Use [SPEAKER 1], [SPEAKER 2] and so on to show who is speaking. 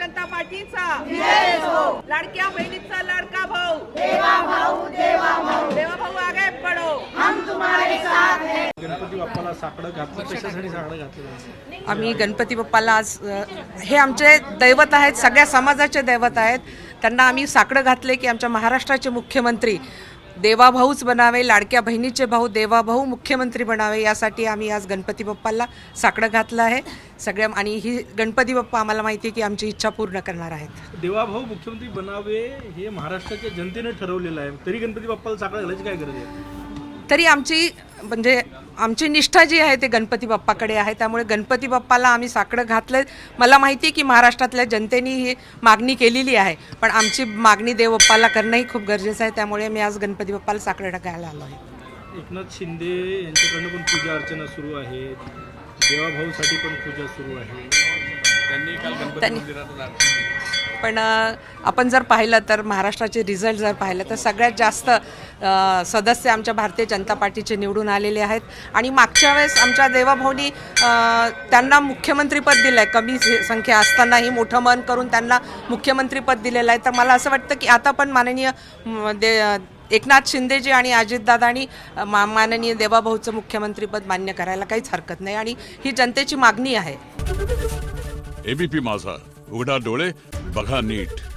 [SPEAKER 1] जनता पार्टीचा लाडक्या बहिणीचा लाडका भाऊ देवा भाऊ आगे बढ़ो, हम तुम्हारे साथ हैं।
[SPEAKER 2] गणपती बाप्पाला साकडं घातलं, कशासाठी साकडं घातलं?
[SPEAKER 3] आम्ही गणपती बाप्पाला आज हे आमचे दैवत आहेत, सगळ्या समाजाचे दैवत आहेत, त्यांना आम्ही साकडं घातले की आमच्या महाराष्ट्राचे मुख्यमंत्री देवाभाऊच बनावे, लाडक्या बहिणीचे भाऊ देवाभाऊ मुख्यमंत्री बनावे, यासाठी आम्ही आज गणपती बाप्पाला साकडं घातलं आहे सगळ्या। आणि ही गणपती बाप्पा आम्हाला माहिती आहे की आमची इच्छा पूर्ण करणार आहेत।
[SPEAKER 2] देवाभाऊ मुख्यमंत्री बनावे हे महाराष्ट्राच्या जनतेने ठरवलेलं आहे, तरी गणपती बाप्पाला साकडं घालायची काय गरज आहे?
[SPEAKER 3] तरी आमची निष्ठा जी आहे ते गणपती बाप्पाकडे आहे, त्यामुळे गणपती बाप्पाला आम्ही साकडं घातलं। मला माहिती आहे की महाराष्ट्रातल्या जनतेने ही मागणी केलेली आहे, पण आमची मागणी देव बाप्पाला करणंही खूप गरजेचं आहे, त्यामुळे मी आज गणपती बाप्पाला साकडं घालायला आलो आहे।
[SPEAKER 2] एकनाथ शिंदे यांच्याकडनं पण पूजा अर्चना सुरू आहे, देवाभाऊसाठी पण पूजा सुरू आहे, त्यांनी काल गणपती मंदिरात
[SPEAKER 3] पण आपण जर पाहिलं तर महाराष्ट्राचे रिझल्ट जर पाहिलं तर सगळ्यात जास्त सदस्य आमच्या भारतीय जनता पार्टीचे निवडून आलेले आहेत। आणि मागच्या वेळेस आमच्या देवाभाऊनी त्यांना मुख्यमंत्रीपद दिलं आहे, कमी संख्या असतानाही मोठं मन करून त्यांना मुख्यमंत्रीपद दिलेलं आहे। तर मला असं वाटतं की आता पण माननीय एकनाथ शिंदेजी आणि अजितदादांनी माननीय देवाभाऊचं मुख्यमंत्रीपद मान्य करायला काहीच हरकत नाही, आणि ही जनतेची मागणी आहे।
[SPEAKER 4] एबीपी माझा, उघडा डोळे बघा नीट।